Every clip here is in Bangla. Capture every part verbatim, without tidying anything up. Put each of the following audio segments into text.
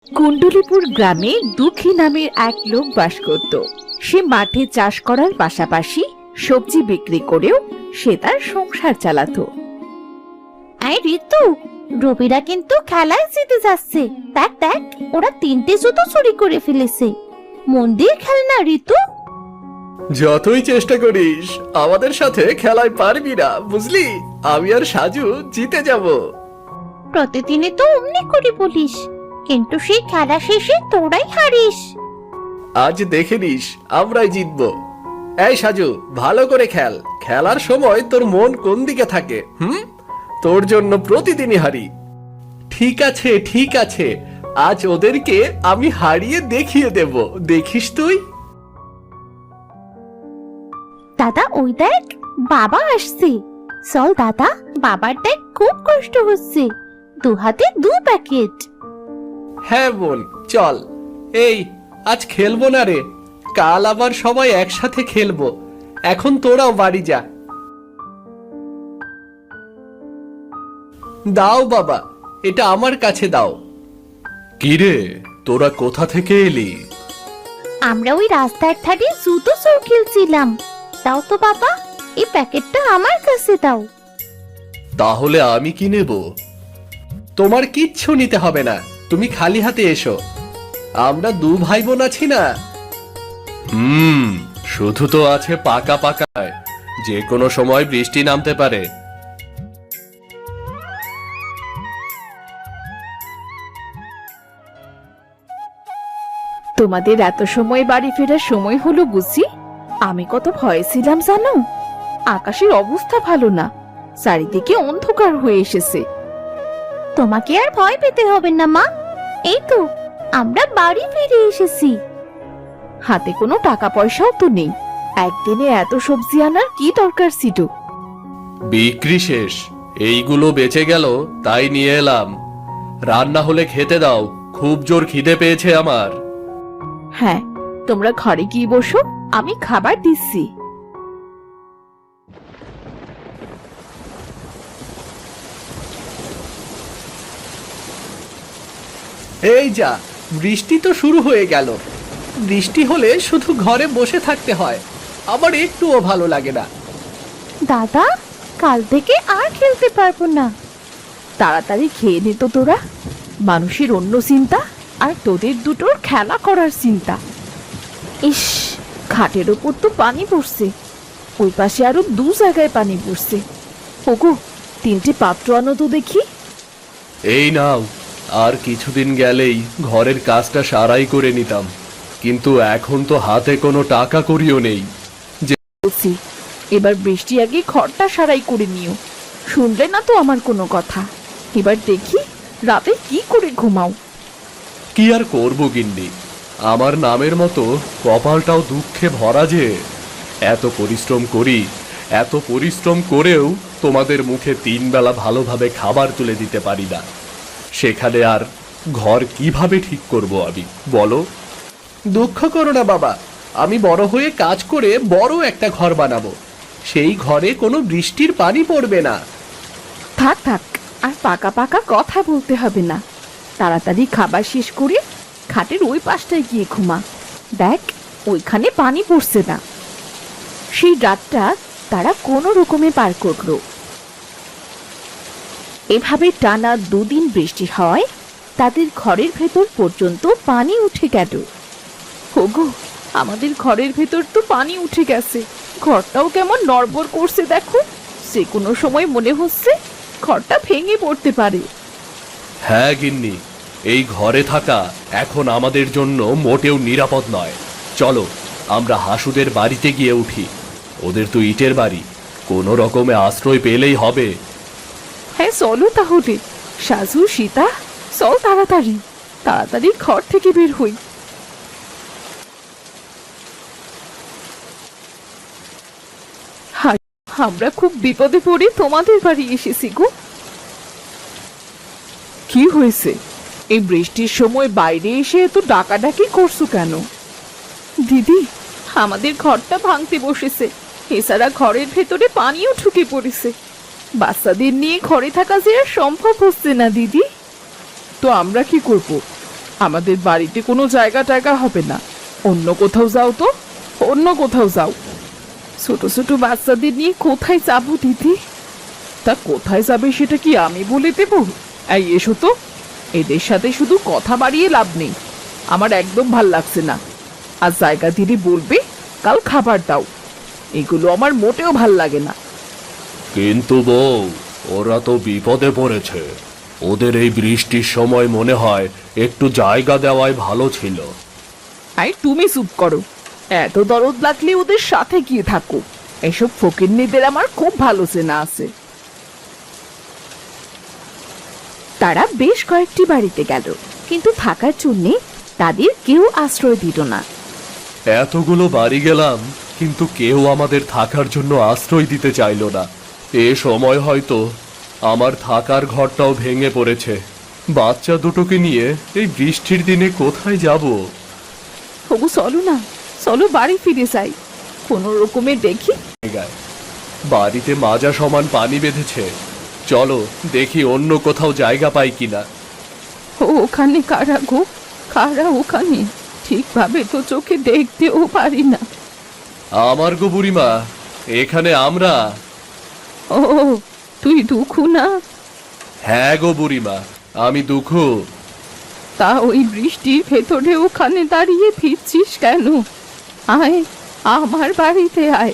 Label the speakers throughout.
Speaker 1: কুণ্ডলীপুর গ্রামে দুঃখী নামের এক লোক বাস করত। সে মাঠে চাষ করার পাশাপাশি সবজি বিক্রি করেও সে তার সংসার চালাতো।
Speaker 2: এই ঋতু, রবিরা কিন্তু খেলায় জিতে যাচ্ছে। দেখ দেখ, ওরা তিনটে জুতো চুরি করে ফেলেছে। মন দিয়ে খেল না ঋতু।
Speaker 3: যতই চেষ্টা করিস আমাদের সাথে খেলায় পারবি না, বুঝলি? আমি আর সাজু জিতে যাব।
Speaker 2: প্রতিদিনই তো অমনি করে বলিস, কিন্তু সেই খেলা শেষে তোরাই হারিস।
Speaker 3: আজ দেখে নিস আমরাই জিতবো। এই সাজু, ভালো করে খেল। খেলার সময় তোর মন কোন দিকে থাকে? হুম, তোর জন্য প্রতিদিনই হারি। ঠিক আছে ঠিক আছে, আজ ওদেরকে আমি হারিয়ে দেখিয়ে দেব, দেখিস তুই।
Speaker 2: দাদা ওই দেখ, বাবা আসছে। চল দাদা, বাবার দেখ খুব কষ্ট হচ্ছে, দু হাতে দু প্যাকেট।
Speaker 3: হ্যাঁ বোন, চল। এই, আজ খেলবো না রে, কাল আবার সবাই একসাথে খেলবো। এখন তোরাও বাড়ি যা। দাও বাবা, এটা আমার কাছে দাও। কিরে, তোরা কোথা থেকে এলি?
Speaker 2: আমরা ওই রাস্তার ধারে জুতো চোর খেলছিলাম। দাও তো বাবা, এই প্যাকেটটা আমার কাছে দাও।
Speaker 3: তাহলে আমি কি নেব? তোমার কিচ্ছু নিতে হবে না, তুমি খালি হাতে এসো। আমরা দু ভাই বোন আছি না। হুম, শুধু তো আছে পাকা পাকায়, যে কোনো সময় বৃষ্টি নামতে পারে।
Speaker 1: তোমাদের এত সময় বাড়ি ফেরার সময় হলো বুঝি? আমি কত ভয়ে ছিলাম জানো। আকাশের অবস্থা ভালো না, চারিদিকে অন্ধকার হয়ে এসেছে।
Speaker 2: তোমাকে আর ভয় পেতে হবে না মা, এই তো আমরা বাড়ি ফিরে এসেছি।
Speaker 1: হাতে কোনো টাকা পয়সাও তো নেই, একদিনে এত সবজি আনার কি দরকার ছিল?
Speaker 3: বিক্রি শেষ, এইগুলো বেঁচে গেল তাই নিয়ে এলাম। রান্না হলে খেতে দাও, খুব জোর খিদে পেয়েছে আমার।
Speaker 1: হ্যাঁ, তোমরা ঘরে গিয়ে বসো, আমি খাবার দিচ্ছি।
Speaker 3: এই যা, বৃষ্টি তো শুরু হয়ে গেল। বৃষ্টি হলে শুধু ঘরে বসে থাকতে হয়, আমার একটুও ভালো লাগে না।
Speaker 2: দাদা, কাল থেকে আর খেলতে পারবো না।
Speaker 1: তাড়াতাড়ি খেয়ে নে তো তোরা, মানুষের অন্য চিন্তা আর তোদের দুটোর খেলা করার চিন্তা। ইস, খাটের ওপর তো পানি পড়ছে, ওই পাশে আরো দু জায়গায় পানি পড়ছে। ওগো, তিনটে পাত্র আনো তো দেখি।
Speaker 3: এই নাও, আর কিছুদিন গেলেই ঘরের কাজটা সারাই করে নিতাম, কিন্তু এখন তো হাতে কোনো টাকা করিও নেই।
Speaker 1: বলছি, এবার বৃষ্টি আগে ঘরটা সারাই করে নিও। শুনলে না তো আমার কোনো কথা। এবার দেখি রাতে কি করে ঘুমাও।
Speaker 3: কি আর করবো গিন্নি, আমার নামের মতো কপালটাও দুঃখে ভরা যে। এত পরিশ্রম করি, এত পরিশ্রম করেও তোমাদের মুখে তিন বেলা ভালোভাবে খাবার তুলে দিতে পারি না। সেখানে আর ঘর কিভাবে ঠিক করব আমি, বলো? দুঃখ করো না বাবা, আমি বড় হয়ে কাজ করে বড় একটা ঘর বানাবো। সেই ঘরে কোনো বৃষ্টির পানি পড়বে না।
Speaker 1: থাক থাক, আর পাকা পাকা কথা বলতে হবে না। তাড়াতাড়ি খাবার শেষ করে খাটের ওই পাশটায় গিয়ে ঘুমা। দেখ, ওইখানে পানি পড়ছে না। সেই রাতটা তারা কোনো রকমে পার করলো। এভাবে টানা দুদিন বৃষ্টি হওয়ায় তাদের ঘরের ভেতর পর্যন্ত পানি উঠে গেল। ওগো, আমাদের ঘরের ভেতর তো পানি উঠে গেছে। ঘরটাও কেমন নড়বড় করছে দেখো, যে কোনো সময় মনে হচ্ছে ঘরটা ভেঙে পড়তে পারে।
Speaker 3: হ্যাঁ গিন্নি, এই ঘরে থাকা এখন আমাদের জন্য মোটেও নিরাপদ নয়। চলো আমরা হাসুদের বাড়িতে গিয়ে উঠি। ওদের তো ইটের বাড়ি, কোনো রকমে আশ্রয় পেলেই হবে।
Speaker 1: হ্যাঁ চলো তাহলে। সাজু, সীতা, চল তাড়াতাড়ি, তাড়াতাড়ি ঘর থেকে বের হই। আমরা খুব বিপদে পড়ে তোমাদের বাড়ি এসেছি গো। কি হয়েছে? এই বৃষ্টির সময় বাইরে এসে এত ডাকাডাকি করছো কেন? দিদি, আমাদের ঘরটা ভাঙতে বসেছে, এছাড়া ঘরের ভেতরে পানিও ঢুকে পড়েছে। বাচ্চাদের নিয়ে ঘরে থাকা যে আর সম্ভব হচ্ছে না দিদি। তো আমরা কি করব? আমাদের বাড়িতে কোনো জায়গা টায়গা হবে না, অন্য কোথাও যাও তো, অন্য কোথাও যাও। ছোট ছোট বাচ্চাদের নিয়ে কোথায় যাবো দিদি? তা কোথায় যাবে সেটা কি আমি বলে দেব? এই এসো তো, এদের সাথে শুধু কথা বাড়িয়ে লাভ নেই, আমার একদম ভাল লাগছে না। আর জায়গা দিদি বলবে কাল খাবার দাও, এগুলো আমার মোটেও ভাল লাগে না।
Speaker 3: কিন্তু বউ, ওরা তো বিপদে পড়েছে, ওদের এই বৃষ্টির সময় মনে হয় একটু জায়গা দেওয়াই ভালো ছিল।
Speaker 1: আই তুমি চুপ করো, এত দরদ লাগলে ওদের সাথে গিয়ে থাকো, এসব ফকিন্নিদের আমার খুব ভালো চেনা আছে।
Speaker 2: তারা বেশ কয়েকটি বাড়িতে গেল, কিন্তু থাকার জন্য তাদের কেউ আশ্রয় দিল না।
Speaker 3: এতগুলো বাড়ি গেলাম, কিন্তু কেউ আমাদের থাকার জন্য আশ্রয় দিতে চাইলো না। এ সময় হয়তো আমার থাকার ঘরটাও ভেঙে পড়েছে। বাচ্চা দুটোকে নিয়ে এই বৃষ্টির দিনে কোথায় যাব?
Speaker 1: ওগো চলো না, চলো বাড়ি ফিরে যাই কোনো রকমে দেখি।
Speaker 3: জায়গায় বাড়িতে মাজা সমান পানি বেঁধেছে, চলো দেখি অন্য কোথাও জায়গা পাই কিনা।
Speaker 1: ও ওখানে কারা গো, কারা ওখানে? ঠিকভাবে তো চোখে দেখতেও পারি না।
Speaker 3: আমার গো বুড়িমা, এখানে আমরা।
Speaker 1: ও তুই দুঃখু না?
Speaker 3: হ্যাঁ গো বুড়িমা, আমি দুঃখ।
Speaker 1: তা ওই বৃষ্টির ভেতরে ওখানে দাঁড়িয়ে ফিরছিস কেন? আয় আমার বাড়িতে আয়।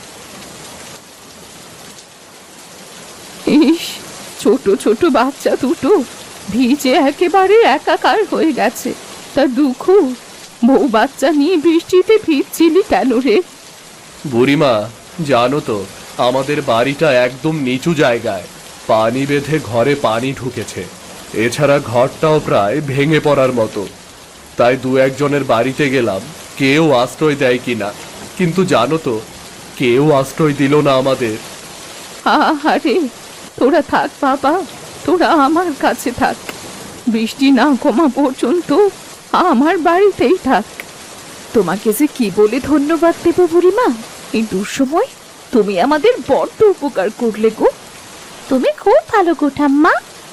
Speaker 1: ইস, ছোট ছোট বাচ্চা দুটো ভিজে একেবারে একাকার হয়ে গেছে। তা দুঃখ, বউ বাচ্চা নিয়ে বৃষ্টিতে ভিজছিলি কেন রে?
Speaker 3: বুড়িমা, জানো তো আমাদের বাড়িটা একদম নিচু জায়গায়, পানি বেঁধে ঘরে পানি ঢুকেছে। এছাড়া ঘরটাও প্রায় ভেঙে পড়ার মতো। তাই দু একজনের বাড়িতে গেলাম কেউ আশ্রয় দেয় কিনা, কিন্তু জানো তো কেউ আশ্রয় দিল না আমাদের।
Speaker 1: আরে তোরা থাক বাবা, তোরা আমার কাছে থাক, বৃষ্টি না কমা পর্যন্ত আমার বাড়িতেই থাক। তোমাকে যে কি বলে ধন্যবাদ দেব বুড়িমা, এই দুঃসময় তুমি আমাদের বড্ড উপকার করলে গো।
Speaker 2: তুমি খুব ভালো গো ঠাম্মা।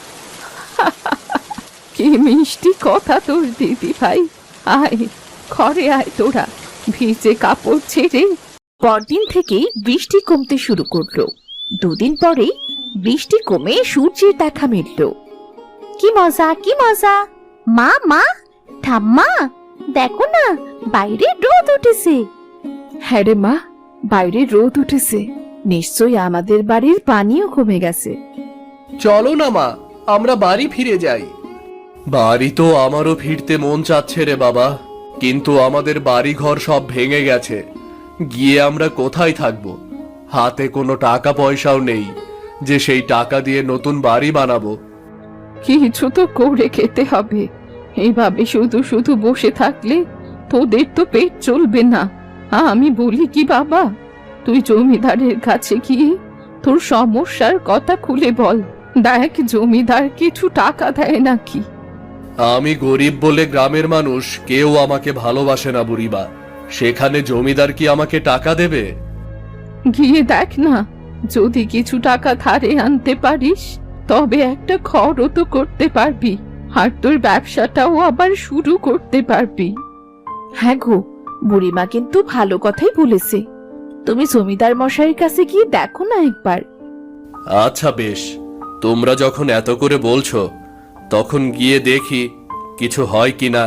Speaker 1: কি মিষ্টি কথা তোর দিদি ভাই। আয় ঘরে আয় তোরা, ভিজে কাপড় ছেড়ে।
Speaker 2: পরদিন থেকেই বৃষ্টি কমতে শুরু করলো। দুদিন পরেই বৃষ্টি কমে সূর্যের দেখা মিলল। কি মজা, কি মজা! মা মা, ঠাম্মা দেখো না, বাইরে রোদ উঠেছে।
Speaker 1: হ্যাঁ রে মা, বাইরে রোদ উঠেছে, নিশ্চয়ই আমাদের বাড়ির পানিও কমে গেছে।
Speaker 3: চলো না মা, আমরা বাড়ি ফিরে যাই। বাড়ি তো আমারও ফিরতে মন চাচ্ছে রে বাবা, কিন্তু আমাদের বাড়ি ঘর সব ভেঙে গেছে, গিয়ে আমরা কোথায় থাকবো? হাতে কোনো টাকা পয়সাও নেই যে সেই টাকা দিয়ে নতুন বাড়ি বানাবো।
Speaker 1: কিছু তো করে খেতে হবে, এইভাবে শুধু শুধু বসে থাকলে তোদের তো পেট চলবে না। আমি বলি কি বাবা, তুই জমিদারের কাছে গিয়ে তোর সমস্যার কথা খুলে বল, দেখ জমিদার কিছু টাকা দেয় নাকি।
Speaker 3: আমি গরিব বলে গ্রামের মানুষ কেউ আমাকে ভালোবাসে না বুড়িমা, সেখানে জমিদার কি আমাকে টাকা দেবে?
Speaker 1: গিয়ে দেখ না, যদি কিছু টাকা ধারে আনতে পারিস তবে একটা ঘরও তো করতে পারবি, আর তোর ব্যবসাটাও আবার শুরু করতে পারবি। হ্যাঁ গো, বুড়িমা কিন্তু ভালো কথাই বলেছে, তুমি জমিদার মশাইয়ের কাছে গিয়ে দেখো না একবার।
Speaker 3: আচ্ছা বেশ, তোমরা যখন এত করে বলছো তখন গিয়ে দেখি কিছু হয় কিনা।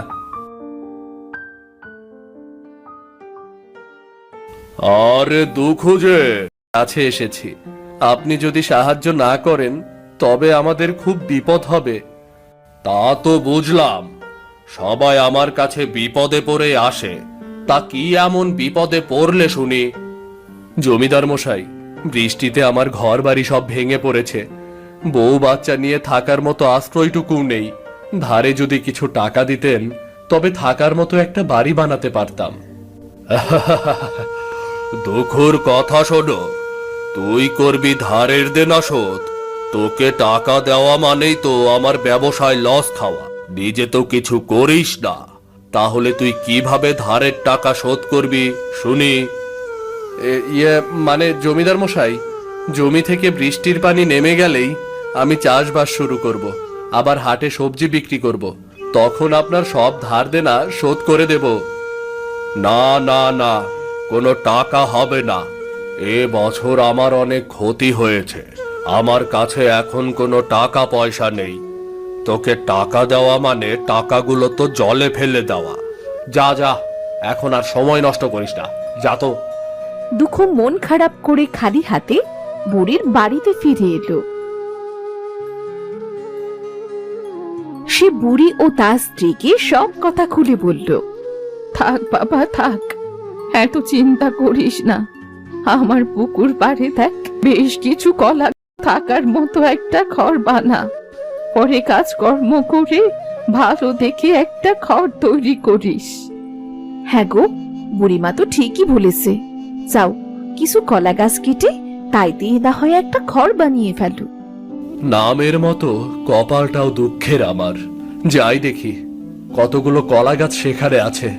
Speaker 3: আরে দুঃখ যে কাছে এসেছি, আপনি যদি সাহায্য না করেন তবে আমাদের খুব বিপদ হবে। তা তো বুঝলাম, সবাই আমার কাছে বিপদে পড়ে আসে, তা কি এমন বিপদে পড়লে শুনি? জমিদার মশাই, বৃষ্টিতে আমার ঘর বাড়ি সব ভেঙে পড়েছে, বউ বাচ্চা নিয়ে থাকার মতো আশ্রয়টুকু নেই। ধারে যদি কিছু টাকা দিতেন তবে থাকার মতো একটা বাড়ি বানাতে পারতাম। দুঃখর কথা শোনো, তুই করবি ধারের দেনা শোধ, তোকে টাকা দেওয়া মানেই তো আমার ব্যবসায় লস খাওয়া। নিজে তো কিছু করিস না, তাহলে তুই কিভাবে ধারের টাকা শোধ করবি শুনি? ইয়ে মানে জমিদার মশাই, জমি থেকে বৃষ্টির পানি নেমে গেলেই আমি চাষবাস শুরু করব, আবার হাটে সবজি বিক্রি করব, তখন আপনার সব ধার দেনা শোধ করে দেব। না না না, কোনো টাকা হবে না। এ বছর আমার অনেক ক্ষতি হয়েছে, আমার কাছে এখন কোনো টাকা পয়সা নেই। তোকে টাকা দেওয়া মানে টাকাগুলো তো জলে ফেলে দেওয়া। যা যা, এখন আর সময় নষ্ট করিস না, যা তো।
Speaker 1: দুঃখ মন খারাপ করে খালি হাতে বুড়ির বাড়িতে ফিরে এলো। সে বুড়ি ও তার স্ত্রীকে সব কথা খুলে বলল। থাক বাবা থাক, এত চিন্তা করিস না। আমার পুকুর পাড়ে দেখ বেশ কিছু কলা থাকার মতো একটা ঘর বানা। পরে কাজকর্ম করে ভালো দেখে একটা ঘর তৈরি করিস। হ্যাঁ গো, বুড়িমা তো ঠিকই বলেছে। যাও, কিছু কলা গাছ কেটে তাই দিয়ে না হয় একটা ঘর বানিয়ে ফেলো।
Speaker 3: নামের মতো কপালটাও দুঃখের আমার। যাই দেখি কতগুলো কলা গাছ সেখানে আছে।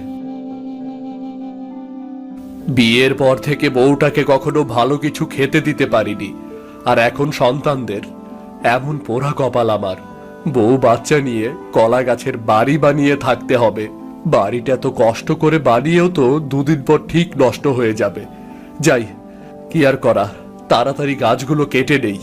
Speaker 3: বিয়ের পর থেকে বউটাকে কখনো ভালো কিছু খেতে দিতে পারিনি, আর এখন সন্তানদের এমন পোড়া কপাল আমার। বউ বাচ্চা নিয়ে কলা গাছের বাড়ি বানিয়ে থাকতে হবে। বাড়িটা তো কষ্ট করে বানিয়েও তো দুদিন পর ঠিক নষ্ট হয়ে যাবে। যাই, কি আর করা, তাড়াতাড়ি গাছগুলো কেটে নেই।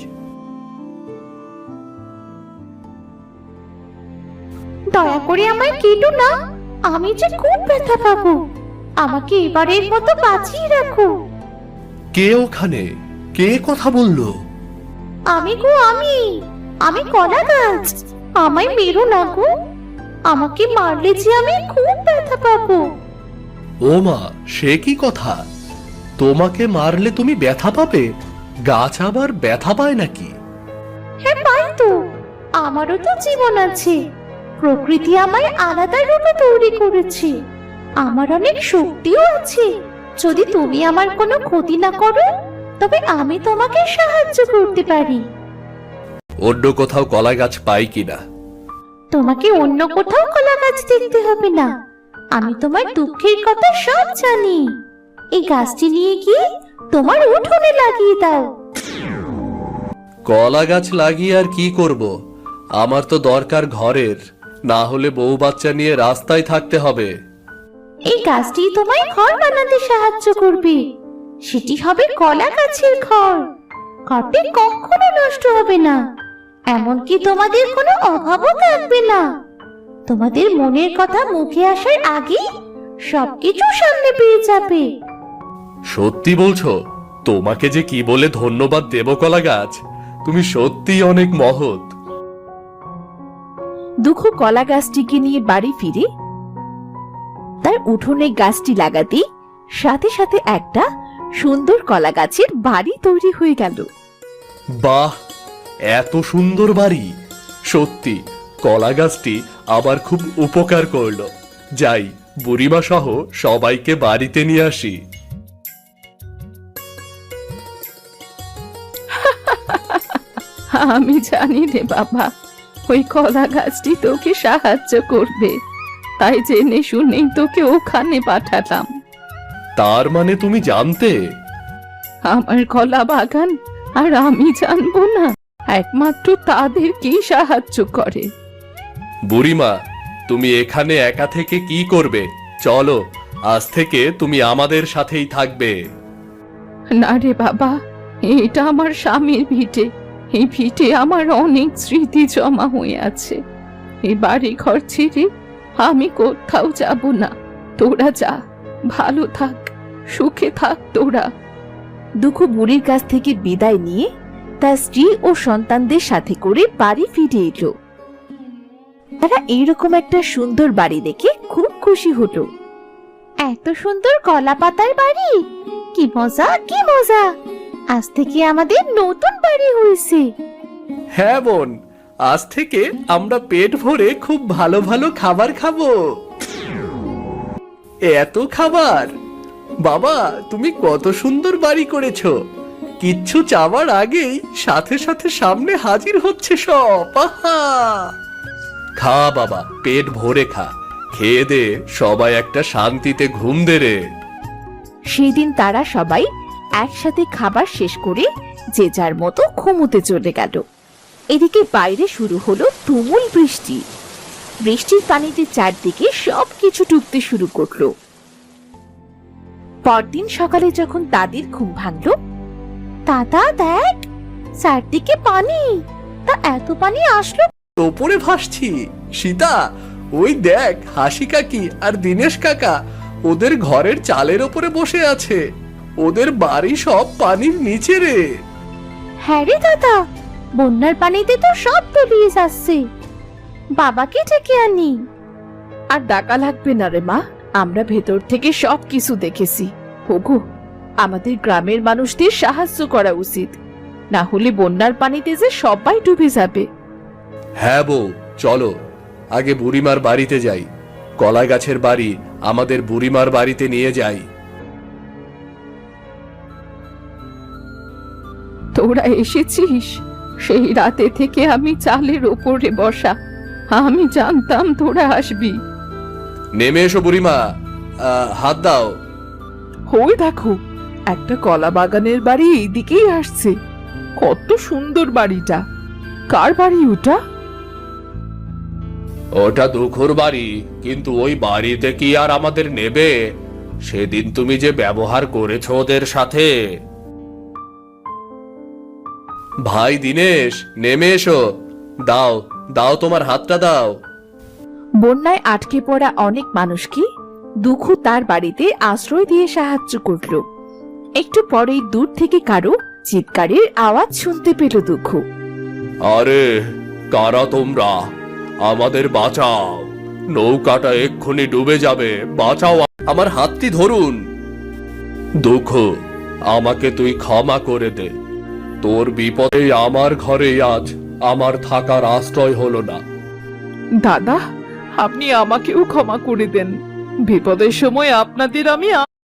Speaker 2: দয়া করে আমায় কেটো না, আমি যে খুব ব্যথা পাবো। আমাকে এবারের মতো বাঁচিয়ে রাখো।
Speaker 3: কে ওখানে? কে কথা বললো?
Speaker 2: আমি গো, আমি আমি কলা গাছ। আমায় মেরো না গো, আমাকে মারলে যে আমি খুব ব্যথা পাবো।
Speaker 3: ও মা, সে কি কথা? তোমাকে মারলে তুমি ব্যথা পাবে? গাছ আবার ব্যথা পায় নাকি?
Speaker 2: হ্যাঁ পাই তো, আমারও তো জীবন আছে। প্রকৃতি আমায় আলাদা রূপে তৈরি করেছে। আমার অনেক শক্তিও আছে। যদি তুমি আমার কোনো ক্ষতি না করো, তবে আমি তোমাকে সাহায্য করতে পারি।
Speaker 3: অন্য কোথাও কলা গাছ পাই কিনা?
Speaker 2: তোমাকে অন্য কোথাও কলা গাছ দেখতে হবে না। আমি তোমার দুঃখের কথা সব জানি। এই গাছটি নিয়ে গিয়ে তোমার উঠোনে লাগিয়ে দাও।
Speaker 3: কলা গাছ লাগিয়ে আর কি করব? আমার তো দরকার ঘরের, না হলে বউ বাচ্চা নিয়ে রাস্তায় থাকতে হবে।
Speaker 2: এই গাছটি তোমায় ঘর বানাতে সাহায্য করবে। সেটি হবে কলা গাছের ঘর। ঘরটি কখনো নষ্ট হবে না, এমনকি তোমাদের কোনো অভাবও থাকবে না। তোমাদের মনের কথা মুখে আসার আগে সবকিছু সামনে পেয়ে যাবে।
Speaker 3: সত্যি বলছো? তোমাকে যে কি বলে ধন্যবাদ দেব কলা গাছ, তুমি সত্যিই অনেক মহৎ।
Speaker 1: দুঃখ কলা গাছটিকে নিয়ে বাড়ি ফিরে তার উঠোনে গাছটি লাগাতে সাথে সাথে একটা সুন্দর কলা গাছের বাড়ি তৈরি হয়ে গেল।
Speaker 3: বাহ, এত সুন্দর বাড়ি! সত্যি কলা গাছটি আবার খুব উপকার করলো। যাই, বুড়িমা সহ সবাইকে বাড়িতে নিয়ে আসি।
Speaker 1: আমি জানি রে বাবা, ওই কলা গাছটি তোকে সাহায্য করবে, তাই জেনে শুনেই তোকে ওখানে পাঠালাম।
Speaker 3: তার মানে তুমি জানতে?
Speaker 1: আমার কলা বাগান আর আমি জানবো না? একমাত্র তাদেরকেই সাহায্য করে।
Speaker 3: বুড়িমা, তুমি এখানে একা থেকে কি করবে? চলো, আজ থেকে তুমি আমাদের সাথেই থাকবে।
Speaker 1: না রে বাবা, এটা আমার স্বামীর ভিটে। এই ভিটে আমার অনেক স্মৃতি জমা হয়ে আছে। এই বাড়ি ঘর ছেড়ে আমি কোথাও যাব না। তোরা যা, ভালো থাক, সুখে থাক তোরা। দুঃখ বুড়ির কাছ থেকে বিদায় নিয়ে তার স্ত্রী ও সন্তানদের সাথে করে বাড়ি ফিরে এলো। তারা এইরকম একটা সুন্দর বাড়ি দেখে খুব খুশি হলো।
Speaker 2: এত সুন্দর কলা পাতার বাড়ি, কি মজা কি মজা! আজ থেকে আমাদের নতুন বাড়ি হয়েছে।
Speaker 3: হ্যাঁ বোন, আজ থেকে আমরা পেট ভরে খুব ভালো ভালো খাবার খাবো। এত খাবার! বাবা, তুমি কত সুন্দর বাড়ি করেছো। কিচ্ছু চাওয়ার আগেই সাথে সাথে সামনে হাজির হচ্ছে সব। আহা! খা বাবা, পেট ভরে খা। খেয়ে দে, সবাই একটা শান্তিতে ঘুম দে রে।
Speaker 1: সেদিন তারা সবাই একসাথে খাবার শেষ করে যে যার মতো ঘুমোতে চলে গেল। এদিকে বাইরে শুরু হলো তুমুল বৃষ্টি।
Speaker 2: বৃষ্টির পানিতে চারদিকে সবকিছু ডুবতে শুরু করলো। পরদিন সকালে যখন দাদির ঘুম ভাঙলো, দাদা দেখ, চারদিকে পানি। তা এত পানি আসলো?
Speaker 3: ওপরে ভাসছি সীতা, ওই দেখ হাসি কাকি আর দীনেশ কাকা ওদের ঘরের চালের ওপরে বসে আছে। ওদের বাড়ি সব পানির নিচে রে।
Speaker 2: হ্যাঁ রে দাদা, বন্যার পানিতে তো সব তলিয়ে যাচ্ছে। বাবাকে ডেকে আনি।
Speaker 1: আর ডাকা লাগবে না রে মা, আমরা ভেতর থেকে সব কিছু দেখেছি। ওগো, আমাদের গ্রামের মানুষদের সাহায্য করা উচিত, না হলে বন্যার পানিতে যে সবাই ডুবে যাবে।
Speaker 3: হ্যাঁ বউ, চলো আগে বুড়িমার বাড়িতে যাই। কলাই গাছের বাড়ি আমাদের বুড়িমার বাড়িতে নিয়ে যাই।
Speaker 1: তোরা এসেছিস? সেই রাতে থেকে আমি চালের ওপরে বসা, আমি জানতাম তোরা আসবি।
Speaker 3: নেমে এসো বুড়িমা, আহ, হাত দাও।
Speaker 1: ওই দেখো, একটা কলা বাগানের বাড়ি এইদিকেই আসছে। কত সুন্দর বাড়িটা। কার বাড়ি ওটা?
Speaker 3: ওটা দুখুর বাড়ি, কিন্তু ওই বাড়িতে কি আর আমাদের নেবে? সেদিন তুমি যে ব্যবহার করেছো ওদের সাথে। ভাই দীনেশ, নেমে এসো। দাও দাও, তোমার হাতটা দাও।
Speaker 1: বন্যায় আটকে পড়া অনেক মানুষকে দুখু তার বাড়িতে আশ্রয় দিয়ে সাহায্য করলো। একটু পরেই দূর থেকে কারো চিৎকারের আওয়াজ শুনতে পেল দুখু।
Speaker 3: আরে কারা তোমরা? আমাদের বাঁচাও, নৌকাটা এক্ষুনি ডুবে যাবে, বাঁচাও। আমার হাতটি ধরুন। দুঃখ, আমাকে তুই ক্ষমা করে দে। তোর বিপদে আমার ঘরে আজ আমার থাকার আশ্রয় হলো না।
Speaker 1: দাদা, আপনি আমাকেও ক্ষমা করে দেন। বিপদের সময় আপনাদের আমি